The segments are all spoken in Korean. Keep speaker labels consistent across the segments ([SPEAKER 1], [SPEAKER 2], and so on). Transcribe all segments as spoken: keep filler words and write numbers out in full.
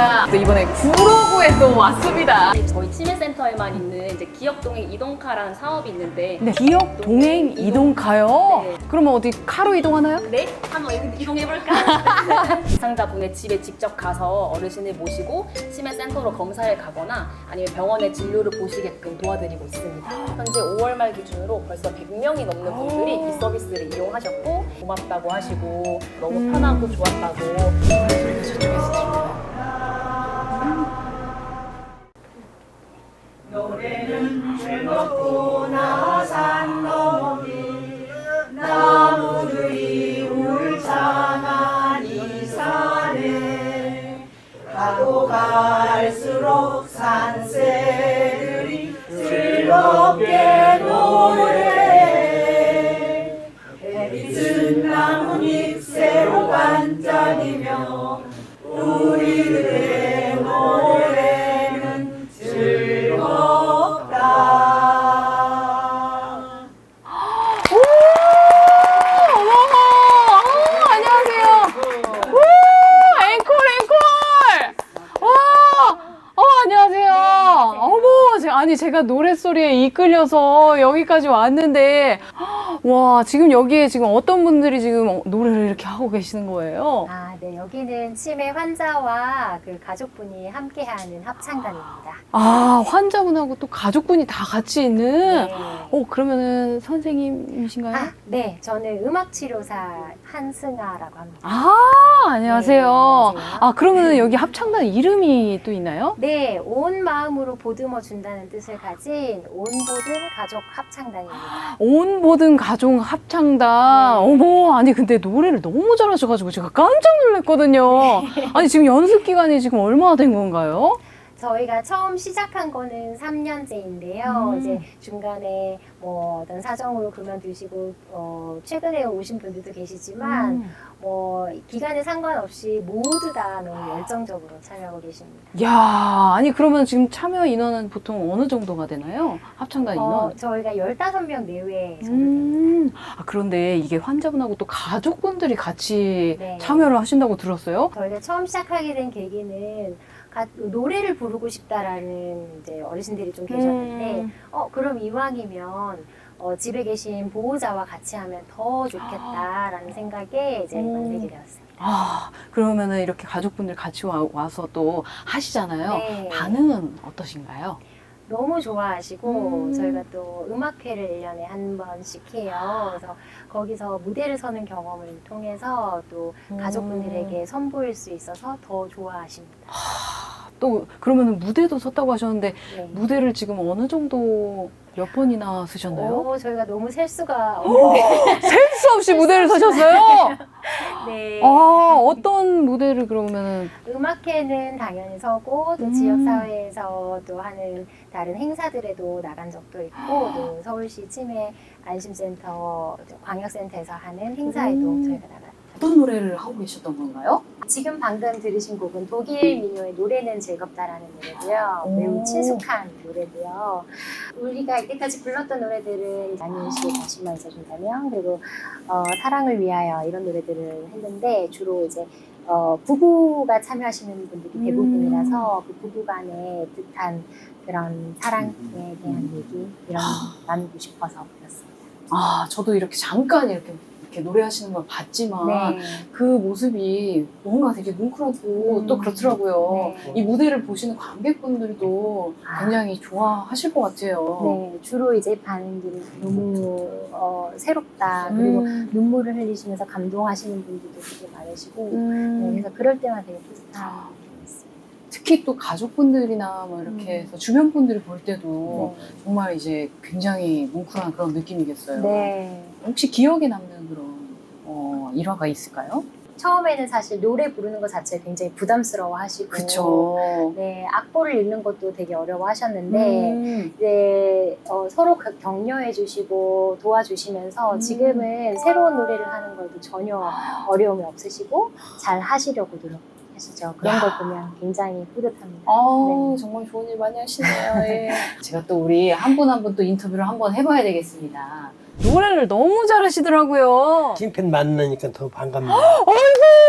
[SPEAKER 1] 저희가 또 이번에 구로구에 또 왔습니다.
[SPEAKER 2] 저희 치매센터에만 있는 이제 기억동행 이동카라는 사업이 있는데
[SPEAKER 1] 네, 기억 동행 이동카요?
[SPEAKER 2] 네.
[SPEAKER 1] 그러면 어디 카로 이동하나요?
[SPEAKER 2] 네? 한번 이동해볼까? 대상자분의 집에 직접 가서 어르신을 모시고 치매센터로 검사를 가거나 아니면 병원의 진료를 보시게끔 도와드리고 있습니다. 현재 오월 말 기준으로 벌써 백 명이 넘는 분들이 이 서비스를 이용하셨고 고맙다고 하시고 너무
[SPEAKER 1] 음.
[SPEAKER 2] 편하고 좋았다고.
[SPEAKER 1] 소리가 저쪽에서 들려요.
[SPEAKER 3] 노래는 즐겁구나 산 너머니 나무들이 울창한 이 산에 가도 갈수록 산새들이 즐겁게 노래해 해빛은 나뭇잎 새로 반짝이며 우리들의 노래는 즐겁다.
[SPEAKER 1] 오! 어머! 아, 안녕하세요. 우! 앵콜, 앵콜! 와! 어, 안녕하세요. 어머, 제- 아니, 제가 노랫소리에 이끌려서 여기까지 왔는데, 와, 지금 여기에 지금 어떤 분들이 지금 노래를 이렇게 하고 계시는 거예요?
[SPEAKER 4] 아, 네. 여기는 치매 환자와 그 가족분이 함께하는 합창단입니다.
[SPEAKER 1] 아, 환자분하고 또 가족분이 다 같이 있는?
[SPEAKER 4] 네.
[SPEAKER 1] 어, 그러면은 선생님이신가요?
[SPEAKER 4] 아, 네. 저는 음악치료사 한승아라고 합니다.
[SPEAKER 1] 아, 안녕하세요.
[SPEAKER 4] 네, 안녕하세요.
[SPEAKER 1] 아, 그러면은 여기 합창단 이름이 또 있나요?
[SPEAKER 4] 네. 온 마음으로 보듬어 준다는 뜻을 가진 온보든 가족 합창단입니다.
[SPEAKER 1] 온 모든 가족 합창단.
[SPEAKER 4] 네.
[SPEAKER 1] 어머, 아니 근데 노래를 너무 잘하셔가지고 제가 깜짝 놀랐거든요. 아니 지금 연습 기간이 지금 얼마나 된 건가요?
[SPEAKER 4] 저희가 처음 시작한 거는 삼 년째인데요.
[SPEAKER 1] 음.
[SPEAKER 4] 이제 중간에 뭐 어떤 사정으로 그만두시고 어, 최근에 오신 분들도 계시지만
[SPEAKER 1] 음.
[SPEAKER 4] 뭐 기간에 상관없이 모두 다 너무 열정적으로 참여하고 계십니다.
[SPEAKER 1] 야, 아니 그러면 지금 참여 인원은 보통 어느 정도가 되나요? 합창단 인원?
[SPEAKER 4] 어, 저희가 열다섯 명 내외 정도 됩니다.
[SPEAKER 1] 음. 아, 그런데 이게 환자분하고 또 가족분들이 같이
[SPEAKER 4] 네.
[SPEAKER 1] 참여를 하신다고 들었어요?
[SPEAKER 4] 저희가 처음 시작하게 된 계기는 가- 노래를 부르고 싶다라는 이제 어르신들이 좀 계셨는데
[SPEAKER 1] 음.
[SPEAKER 4] 어 그럼 이왕이면 어, 집에 계신 보호자와 같이 하면 더 좋겠다라는 생각에 이제
[SPEAKER 1] 음.
[SPEAKER 4] 만들게 되었습니다.
[SPEAKER 1] 아, 그러면은 이렇게 가족분들 같이 와, 와서 또 하시잖아요.
[SPEAKER 4] 네.
[SPEAKER 1] 반응은 어떠신가요?
[SPEAKER 4] 너무 좋아하시고
[SPEAKER 1] 음.
[SPEAKER 4] 저희가 또 음악회를 일 년에 한 번씩 해요. 그래서 거기서 무대를 서는 경험을 통해서 또
[SPEAKER 1] 음.
[SPEAKER 4] 가족분들에게 선보일 수 있어서 더 좋아하십니다.
[SPEAKER 1] 또 그러면은 무대도 섰다고 하셨는데
[SPEAKER 4] 네.
[SPEAKER 1] 무대를 지금 어느 정도 몇 번이나 쓰셨나요?
[SPEAKER 4] 오, 저희가 너무 셀 수가 없는데
[SPEAKER 1] 셀 수 없이 무대를 서셨어요?
[SPEAKER 4] 네.
[SPEAKER 1] 아, 어떤 무대를 그러면은
[SPEAKER 4] 음악회는 당연히 서고 또
[SPEAKER 1] 음.
[SPEAKER 4] 지역사회에서 또 하는 다른 행사들에도 나간 적도 있고 또 서울시 치매 안심센터 광역센터에서 하는 행사에도
[SPEAKER 1] 음.
[SPEAKER 4] 저희가 나가요.
[SPEAKER 1] 어떤 노래를 하고 계셨던 건가요?
[SPEAKER 4] 지금 방금 들으신 곡은 독일 민요의 노래는 즐겁다라는 노래고요.
[SPEAKER 1] 오.
[SPEAKER 4] 매우 친숙한 노래고요. 우리가 이때까지 불렀던 노래들은 안윤식의 다시만 있어준다면 그리고 어, 사랑을 위하여 이런 노래들을 했는데 주로 이제 어, 부부가 참여하시는 분들이
[SPEAKER 1] 음.
[SPEAKER 4] 대부분이라서 그 부부간의 뜻한 그런 사랑에 대한 얘기 이런 나누고 싶어서 불렀습니다.
[SPEAKER 1] 아, 저도 이렇게 잠깐 이렇게 이렇게 노래하시는 걸 봤지만
[SPEAKER 4] 네.
[SPEAKER 1] 그 모습이 뭔가 되게 뭉클하고
[SPEAKER 4] 음.
[SPEAKER 1] 또 그렇더라고요.
[SPEAKER 4] 네.
[SPEAKER 1] 이 무대를 보시는 관객분들도
[SPEAKER 4] 아.
[SPEAKER 1] 굉장히 좋아하실 것 같아요.
[SPEAKER 4] 네, 주로 이제 반응들이 너무 어, 새롭다. 그리고
[SPEAKER 1] 음.
[SPEAKER 4] 눈물을 흘리시면서 감동하시는 분들도 되게 많으시고
[SPEAKER 1] 음.
[SPEAKER 4] 네, 그래서 그럴 때마다 되게 뿌듯한 느낌이 있어요.
[SPEAKER 1] 특히 또 가족분들이나 뭐 이렇게
[SPEAKER 4] 음.
[SPEAKER 1] 해서 주변 분들이 볼 때도
[SPEAKER 4] 네.
[SPEAKER 1] 정말 이제 굉장히 뭉클한 그런 느낌이겠어요.
[SPEAKER 4] 네.
[SPEAKER 1] 혹시 기억에 남는 그런 어, 일화가 있을까요?
[SPEAKER 4] 처음에는 사실 노래 부르는 것 자체를 굉장히 부담스러워 하시고
[SPEAKER 1] 그쵸.
[SPEAKER 4] 네, 악보를 읽는 것도 되게 어려워 하셨는데
[SPEAKER 1] 음.
[SPEAKER 4] 이제 어, 서로 그 격려해 주시고 도와주시면서
[SPEAKER 1] 음.
[SPEAKER 4] 지금은 새로운 노래를 하는 것도 전혀 어려움이 없으시고 잘 하시려고 노력하시죠. 그런
[SPEAKER 1] 야.
[SPEAKER 4] 걸 보면 굉장히 뿌듯합니다.
[SPEAKER 1] 아우,
[SPEAKER 4] 네.
[SPEAKER 1] 정말 좋은 일 많이 하시네요. 예. 제가 또 우리 한 분 한 분 또 인터뷰를 한번 해봐야 되겠습니다. 노래를 너무 잘하시더라고요.
[SPEAKER 5] 찐팬 만나니까 더 반갑네요.
[SPEAKER 1] 아이고,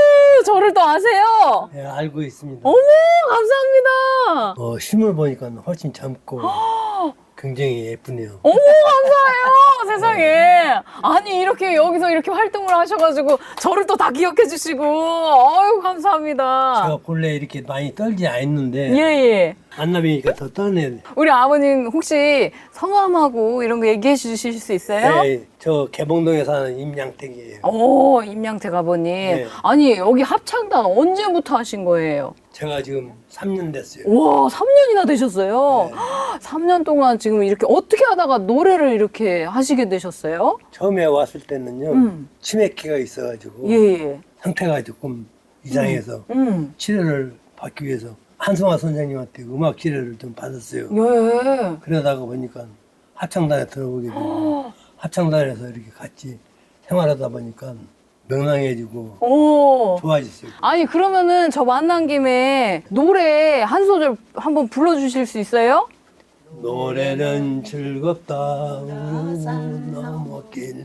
[SPEAKER 1] 또 저를 또 아세요?
[SPEAKER 5] 예, 알고 있습니다.
[SPEAKER 1] 어머, 감사합니다.
[SPEAKER 5] 어, 실물 보니까 훨씬 젊고 굉장히 예쁘네요.
[SPEAKER 1] 어머, 감사해요. 세상에. 아니, 이렇게 여기서 이렇게 활동을 하셔가지고 저를 또 다 기억해 주시고. 아유, 감사합니다.
[SPEAKER 5] 제가 본래 이렇게 많이 떨지 않았는데
[SPEAKER 1] 예, 예.
[SPEAKER 5] 만나뵈니까 더 떠네.
[SPEAKER 1] 우리 아버님 혹시 성함하고 이런 거 얘기해 주실 수 있어요?
[SPEAKER 5] 네, 저 개봉동에 사는 임양택이에요.
[SPEAKER 1] 오, 임양택 아버님.
[SPEAKER 5] 네.
[SPEAKER 1] 아니, 여기 합창단 언제부터 하신 거예요?
[SPEAKER 5] 제가 지금 삼 년 됐어요.
[SPEAKER 1] 와, 삼 년이나 되셨어요?
[SPEAKER 5] 네.
[SPEAKER 1] 삼 년 동안 지금 이렇게 어떻게 하다가 노래를 이렇게 하시게 되셨어요?
[SPEAKER 5] 처음에 왔을 때는요,
[SPEAKER 1] 음.
[SPEAKER 5] 치매기가 있어가지고
[SPEAKER 1] 예, 예.
[SPEAKER 5] 상태가 조금 이상해서
[SPEAKER 1] 음.
[SPEAKER 5] 치료를 받기 위해서 한송아 선생님한테 음악 치료를 좀 받았어요.
[SPEAKER 1] 예.
[SPEAKER 5] 그러다가 보니까 합창단에 들어오게 되고 합창단에서 이렇게 같이 생활하다 보니까 명랑해지고
[SPEAKER 1] 오.
[SPEAKER 5] 좋아졌어요.
[SPEAKER 1] 아니, 그러면은 저 만난 김에 노래 한 소절 한번 불러주실 수 있어요?
[SPEAKER 5] 노래는 즐겁다 우르는 넘어길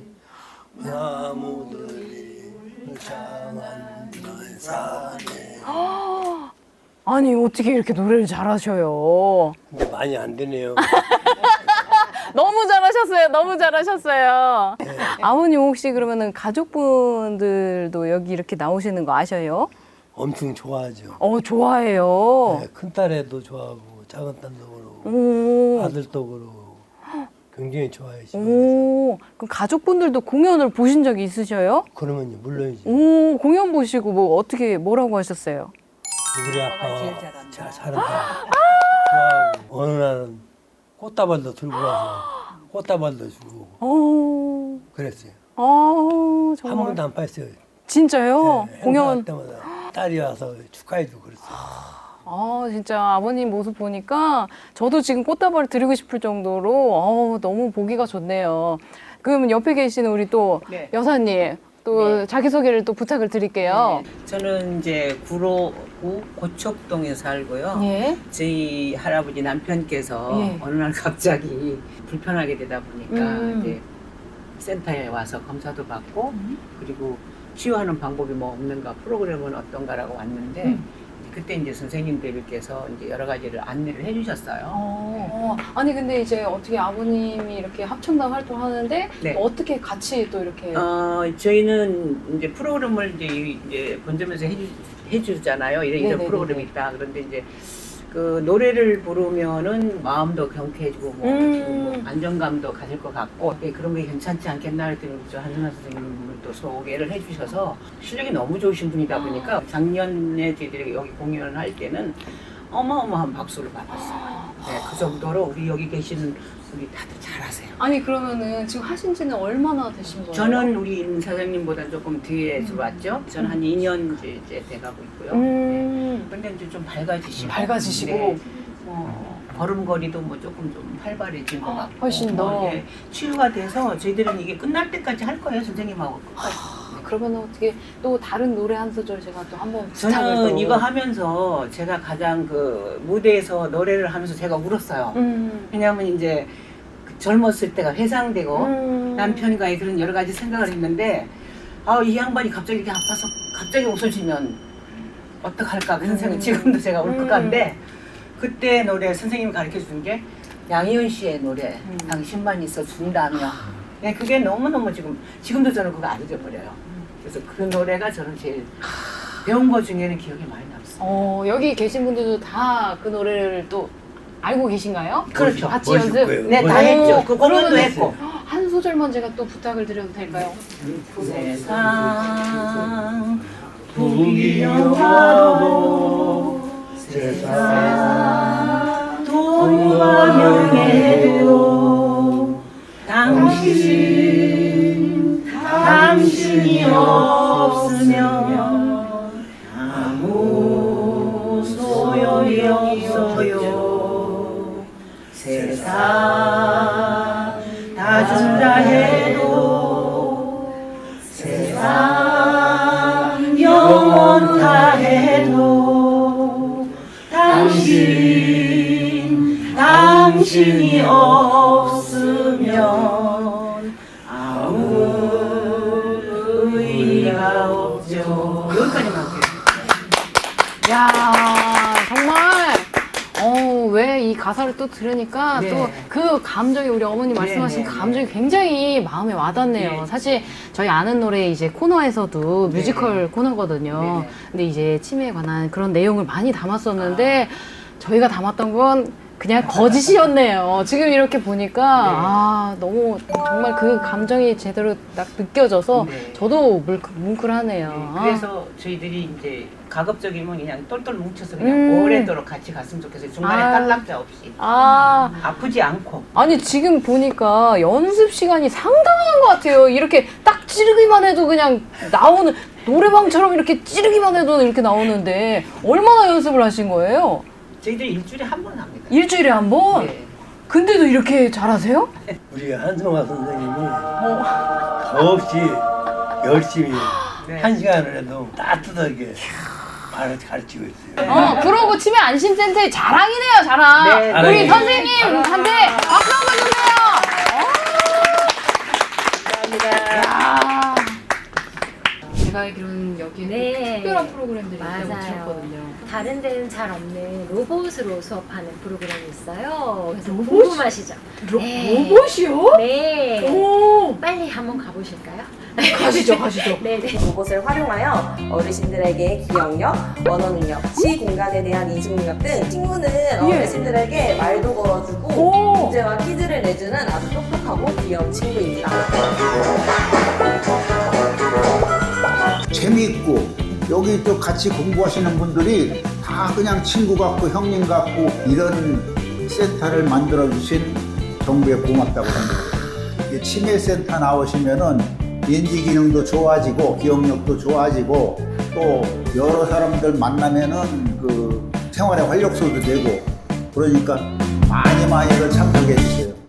[SPEAKER 5] 나무들이 무장한 산에.
[SPEAKER 1] 아니, 어떻게 이렇게 노래를 잘하셔요?
[SPEAKER 5] 근데 많이 안 되네요.
[SPEAKER 1] 너무 잘하셨어요. 너무 잘하셨어요. 아버님 혹시 그러면은 가족분들도 여기 이렇게 나오시는 거 아셔요?
[SPEAKER 5] 엄청 좋아하죠.
[SPEAKER 1] 어, 좋아해요.
[SPEAKER 5] 네, 큰 딸애도 좋아하고 작은 딸도 그러고
[SPEAKER 1] 오.
[SPEAKER 5] 아들도 그러고 굉장히 좋아해요.
[SPEAKER 1] 오. 그럼 가족분들도 공연을 보신 적이 있으셔요?
[SPEAKER 5] 그러면 물론이지.
[SPEAKER 1] 오, 공연 보시고 뭐 어떻게 뭐라고 하셨어요?
[SPEAKER 5] 우리 아빠가 잘 잘한다. 좋아하고 어느 날은 꽃다발도 들고 와서 꽃다발도 주고
[SPEAKER 1] 어.
[SPEAKER 5] 그랬어요.
[SPEAKER 1] 아,
[SPEAKER 5] 한
[SPEAKER 1] 정말.
[SPEAKER 5] 번도 안 뺐어요.
[SPEAKER 1] 진짜요?
[SPEAKER 5] 네,
[SPEAKER 1] 공연.
[SPEAKER 5] 행사할 때마다 딸이 와서 축하해주고 그랬어요.
[SPEAKER 1] 아, 진짜 아버님 모습 보니까 저도 지금 꽃다발을 드리고 싶을 정도로 어, 너무 보기가 좋네요. 그러면 옆에 계시는 우리 또
[SPEAKER 6] 네.
[SPEAKER 1] 여사님 또
[SPEAKER 6] 네.
[SPEAKER 1] 자기소개를 또 부탁을 드릴게요.
[SPEAKER 6] 네, 저는 이제 구로구 고척동에 살고요.
[SPEAKER 1] 예.
[SPEAKER 6] 저희 할아버지 남편께서
[SPEAKER 1] 예.
[SPEAKER 6] 어느 날 갑자기 불편하게 되다 보니까
[SPEAKER 1] 음.
[SPEAKER 6] 이제 센터에 와서 검사도 받고 그리고 치유하는 방법이 뭐 없는가 프로그램은 어떤가라고 왔는데
[SPEAKER 1] 음.
[SPEAKER 6] 그때 이제 선생님들께서 이제 여러 가지를 안내를 해주셨어요.
[SPEAKER 1] 어, 아니 근데 이제 어떻게 아버님이 이렇게 합창단 활동하는데
[SPEAKER 6] 네.
[SPEAKER 1] 또 어떻게 같이 또 이렇게
[SPEAKER 6] 어, 저희는 이제 프로그램을 이제, 이제 본점에서 해주, 해주잖아요. 이런, 이런
[SPEAKER 1] 네네네네.
[SPEAKER 6] 프로그램이 있다. 그런데 이제 그 노래를 부르면은 마음도 경쾌해지고 뭐,
[SPEAKER 1] 음.
[SPEAKER 6] 뭐 안정감도 가질 것 같고 예, 그런 게 괜찮지 않겠나 했더니 저 한순아 선생님을 또 소개를 해주셔서 실력이 너무 좋으신 분이다 보니까 작년에 저희들이 여기 공연을 할 때는 어마어마한 박수를 받았어요. 네, 그 정도로 우리 여기 계시는 우리 다들 잘하세요.
[SPEAKER 1] 아니 그러면은 지금 하신 지는 얼마나 되신 거예요?
[SPEAKER 6] 저는 우리 임 사장님보다 조금 뒤에 들어왔죠. 저는 한 이 년 이제, 이제 돼가고 있고요.
[SPEAKER 1] 음.
[SPEAKER 6] 근데 이제 좀 밝아지시고,
[SPEAKER 1] 밝아지시고.
[SPEAKER 6] 네. 어, 걸음걸이도 뭐 조금 좀 활발해진 것 같고,
[SPEAKER 1] 훨씬 더.
[SPEAKER 6] 어, 예, 치유가 돼서 저희들은 이게 끝날 때까지 할 거예요, 선생님하고 끝까지.
[SPEAKER 1] 그러면 어떻게 또 다른 노래 한 소절 제가 또 한번 부탁을
[SPEAKER 6] 저는
[SPEAKER 1] 또.
[SPEAKER 6] 이거 하면서 제가 가장 그 무대에서 노래를 하면서 제가 울었어요.
[SPEAKER 1] 음.
[SPEAKER 6] 왜냐하면 이제 그 젊었을 때가 회상되고
[SPEAKER 1] 음.
[SPEAKER 6] 남편과의 그런 여러 가지 생각을 했는데 아, 이 양반이 갑자기 이렇게 아파서 갑자기 웃어주면 어떡할까 그런 생각 지금도 제가 울 것
[SPEAKER 1] 음.
[SPEAKER 6] 같은데 그때 노래 선생님이 가르쳐 준 게 양희은 씨의 노래
[SPEAKER 1] 음.
[SPEAKER 6] 당신만 있어 준다며 네, 그게 너무너무 지금 지금도 저는 그거 안 잊어버려요. 그래서 그 노래가 저는 제일 배운 것 중에는 기억에 많이 남습니다.
[SPEAKER 1] 어, 여기 계신 분들도 다 그 노래를 또 알고 계신가요?
[SPEAKER 6] 그렇죠.
[SPEAKER 1] 같이
[SPEAKER 5] 멋있을
[SPEAKER 1] 연습?
[SPEAKER 5] 거예요.
[SPEAKER 6] 네, 다
[SPEAKER 5] 멋있을
[SPEAKER 6] 했죠.
[SPEAKER 5] 거예요.
[SPEAKER 6] 그 공연도
[SPEAKER 1] 그러면은
[SPEAKER 6] 했고.
[SPEAKER 1] 한 소절만 제가 또 부탁을 드려도 될까요?
[SPEAKER 6] 세상
[SPEAKER 5] 부귀영화도 세상
[SPEAKER 6] 돈과 명예도 당신 당신이 없으면 아무 소용이 없어요. 세상 다 준다 해도 세상 영원 다 해도 당신 당신이 없으면 아무 의미가 없죠. 여기까지만 할게요.
[SPEAKER 1] 야 정말 어, 왜 이 가사를 또 들으니까
[SPEAKER 6] 네.
[SPEAKER 1] 또 그 감정이 우리 어머니
[SPEAKER 6] 네,
[SPEAKER 1] 말씀하신
[SPEAKER 6] 네,
[SPEAKER 1] 그 감정이 굉장히 마음에 와닿네요.
[SPEAKER 6] 네.
[SPEAKER 1] 사실 저희 아는 노래 이제 코너에서도
[SPEAKER 6] 네.
[SPEAKER 1] 뮤지컬 코너거든요.
[SPEAKER 6] 네.
[SPEAKER 1] 근데 이제 치매에 관한 그런 내용을 많이 담았었는데 저희가 담았던 건 그냥 거짓이었네요. 지금 이렇게 보니까
[SPEAKER 6] 네.
[SPEAKER 1] 아 너무 정말 그 감정이 제대로 딱 느껴져서
[SPEAKER 6] 네.
[SPEAKER 1] 저도 뭉클, 뭉클하네요.
[SPEAKER 6] 네, 그래서 저희들이 이제 가급적이면 그냥 똘똘 뭉쳐서 그냥
[SPEAKER 1] 음.
[SPEAKER 6] 오래도록 같이 갔으면 좋겠어요. 중간에
[SPEAKER 1] 아.
[SPEAKER 6] 딸락자 없이.
[SPEAKER 1] 아,
[SPEAKER 6] 아프지 않고.
[SPEAKER 1] 아니 지금 보니까 연습 시간이 상당한 것 같아요. 이렇게 딱 찌르기만 해도 그냥 나오는 노래방처럼 이렇게 찌르기만 해도 이렇게 나오는데 얼마나 연습을 하신 거예요?
[SPEAKER 6] 저희들이 일주일에 한 번 합니다.
[SPEAKER 1] 일주일에 한 번?
[SPEAKER 6] 네.
[SPEAKER 1] 근데도 이렇게 잘하세요?
[SPEAKER 5] 우리 한성화 선생님이
[SPEAKER 1] 어.
[SPEAKER 5] 더없이 열심히
[SPEAKER 6] 네.
[SPEAKER 5] 한 시간을 해도 따뜻하게 말을 가르치고 있어요.
[SPEAKER 1] 어, 그러고 치매 안심센터의 자랑이네요, 자랑.
[SPEAKER 6] 네,
[SPEAKER 1] 우리
[SPEAKER 5] 네.
[SPEAKER 1] 선생님한테 박수 한번 주세요.
[SPEAKER 6] 감사합니다.
[SPEAKER 1] 야. 제가 알기로는 여기에
[SPEAKER 4] 네.
[SPEAKER 1] 특별한 프로그램들이
[SPEAKER 4] 맞아요.
[SPEAKER 1] 있거든요.
[SPEAKER 4] 다른 데는 잘 없는 로봇으로 수업하는 프로그램이 있어요. 그래서 궁금하시죠? 네.
[SPEAKER 1] 로봇이요?
[SPEAKER 4] 네.
[SPEAKER 1] 오.
[SPEAKER 4] 빨리 한번 가보실까요?
[SPEAKER 1] 가시죠, 가시죠.
[SPEAKER 4] 네네.
[SPEAKER 3] 로봇을 활용하여 어르신들에게 기억력, 언어 능력, 시 공간에 대한 인식 능력 등 친구는 어르신들에게 말도 걸어주고
[SPEAKER 1] 오.
[SPEAKER 3] 문제와 퀴즈를 내주는 아주 똑똑하고 귀여운 친구입니다.
[SPEAKER 7] 재미있고 여기 또 같이 공부하시는 분들이 다 그냥 친구 같고 형님 같고 이런 센터를 만들어 주신 정부에 고맙다고 합니다. 이 치매센터 나오시면은 인지 기능도 좋아지고 기억력도 좋아지고 또 여러 사람들 만나면은 그 생활의 활력소도 되고 그러니까 많이 많이들 참석해 주세요.